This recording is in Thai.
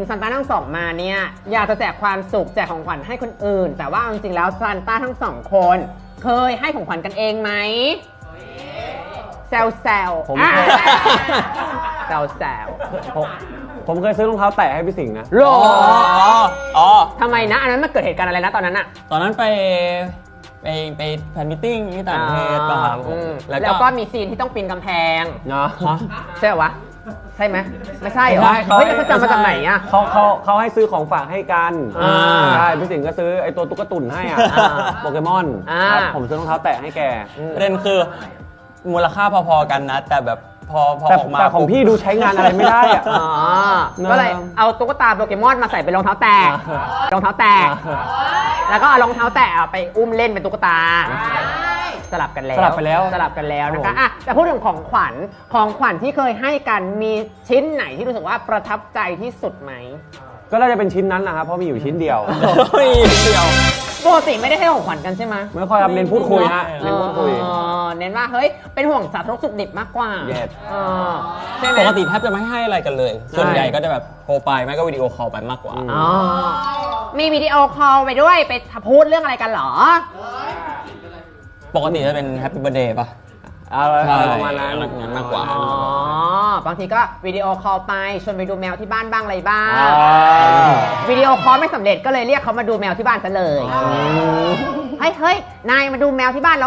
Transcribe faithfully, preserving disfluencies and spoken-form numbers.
งซานต้าทั้งสองมาเนี่ยอยากจะแจกความสุขแจกของขวัญให้คนอื่นแต่ว่าจริงๆแล้วซานต้าทั้งสองคนเคยให้ของขวัญกันเองไหมแซวแซวผมอ่ะเคยแซวแซวผมผมเคยซื้อรองเท้าแตะให้พี่สิงห์นะโลอ๋ออ๋อทำไมนะอันนั้นมันเกิดเหตุการณ์อะไรนะตอนนั้นอะตอนนั้นไปไปไปแฟนมิทติ้งที่ต่างประเทศป่ะครับผอืมมแล้วแล้วก็ก็มีซีนที่ต้องปีนกำแพงเนาะฮะใช่เหรอวะใช่ไหมไม่ใช่เหรอไม่ใช่เฮ้ยเขาจำมาจากไหนอะเขาเขาเขาให้ซื้อของฝากให้กันอ่าใช่พี่สิงห์ก็ซื้อไอ้ตัวตุ๊กตุ่นให้อ่ะอ่าโปเกมอนอ่าครับผมซื้อรองเท้าแตะให้แกประเด็นคือมูลค่าพอๆกันนะ แต่แบบพอพอแต่ออกมาแต่ของพี่ดูใช้งานอะไรไม่ได้อ่ะอ๋อเนอะก็เลยเอาตุ๊กตาโปเกมอนมาใส่เป็นรองเท้าแตะอ่ารองเท้าแตะแล้วก็เอารองเท้าแตะไปอุ้มเล่นเป็นตุ๊กตาสลับกันแล้วสลับไปแล้วสลับกันแล้วนะครัคะบผมอ่ะแต่พูดถึงของขวัญของขวัญที่เคยให้กันมีชิ้นไหนที่รู้สึกว่าประทับใจที่สุดไหมก็น่าจะเป็นชิ้นนั้นนะครับเพราะมีอยู่ชิ้นเดียวเฮ้ยเดียวปกติไม่ได้ให้ของขวัญกันใช่ไหมไม่ค่อยครับเน้นพูดคุยฮะเน้นพูดคุยเออเน้นว่าเฮ้ยเป็นห่วงสาธารณสุขดิบมากกว่า Yes เออใช่ไหมปกติแทบจะไม่ให้อะไรกันเลย ส่วนใหญ่ก็จะแบบโทรไปไม่ก็วิดีโอคอลไปมากกว่าอืมอ๋อมีวิดีโอคอลไปด้วยไปพูดเรื่องอะไรกันเหรอปกติจะเป็นแฮปปี้เบ t ร์ a เดย์ป่ะอะไรใช่ประมาณนั้นงั้นมากกว่าอ๋อบางทีก็วิดีโอคอลไปชวนไปดูแมวที่บ้านบ้างอะไรบ้างอ่าวิดีโอคอลไม่สำเร็จก็เลยเรียกเขามาดูแมวที่บ้านซะเลย เฮ้ยเฮ้ยนายมาดูแมวที่บ้าน